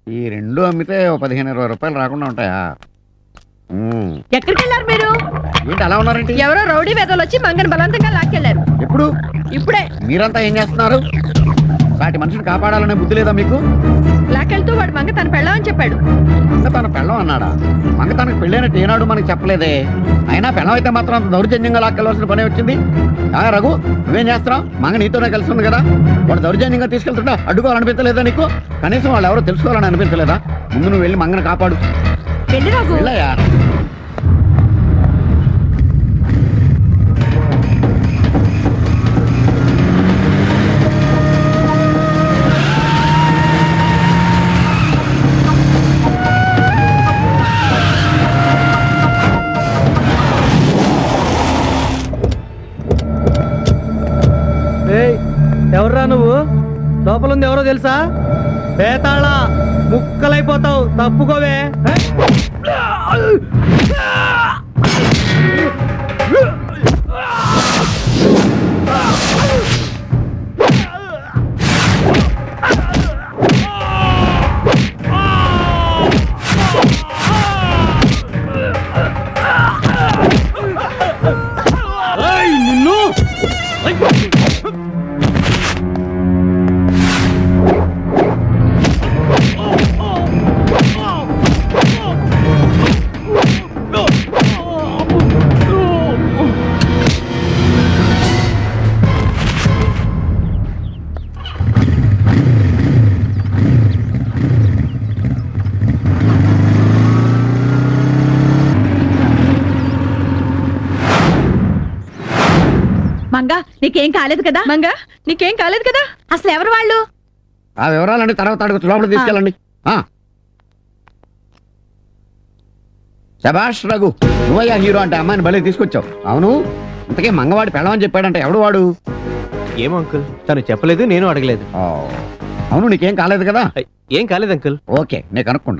ఈ రెండు అమ్మితే 15-20 రూపాయలు రాకుండా ఉంటాయా? ఎక్కడికి వెళ్ళారు మీరు? ఏంటి అలా ఉన్నారంటే? ఎవరో రౌడీ వేదలు వచ్చి మంగని బలవంతంగా లాక్కెళ్లారు. ఎప్పుడు? ఇప్పుడే. మీరంతా ఏం చేస్తున్నారు? సాటి మనిషిని కాపాడాలనే బుద్ధి లేదా మీకు? లాక్కెళ్తూ వాడు మంగ తన పెళ్ళామని చెప్పాడు. మంగ తన పెళ్ళం అన్నాడా? మంగ తనకు పెళ్ళైనట్టు ఏనాడు మనకు చెప్పలేదే. అయినా పెళ్ళం అయితే మాత్రం అంత దౌర్జన్యంగా లాక్కెళ్ళవలసిన పని వచ్చింది. రఘు, నువ్వేం చేస్తున్నావు? మంగ నీతోనే కలిసి ఉంది కదా. వాడు దౌర్జన్యంగా తీసుకెళ్తుంటా అడ్డుకోవాలనిపించలేదా నీకు? కనీసం వాళ్ళు ఎవరో తెలుసుకోవాలని అనిపించలేదా? ముందు నువ్వు వెళ్ళి మంగని కాపాడు. వెళ్ళయ్యా. ఎవర్రా నువ్వు? లోపల ఉంది ఎవరో తెలుసా? పేతాళ ముక్కలైపోతావు, తప్పుకోవే. నిన్ను మంగా, నీకేం కాలేదు కదా? మంగా, నీకేం కాలేదు కదా? అసలు ఎవరు వాళ్ళు? ఆ వివరాలండి తర్వాత అడుగుతూ లోపల తీసుకెళ్ళండి. శభాష్ రఘు, నువ్వయ్యా హీరో అంటే అమ్మాయిని భలే తీసుకొచ్చావు. అవును, ఇంతకీ మంగవాడి పెళ్ళమని చెప్పాడంటే ఎవడు వాడు? ఏమో అంకుల్, తను చెప్పలేదు, నేను అడగలేదు. అవును, నీకేం కాలేదు కదా? ఏం కాలేదు అంకుల్. ఓకే, నేను కనుక్కుంటా.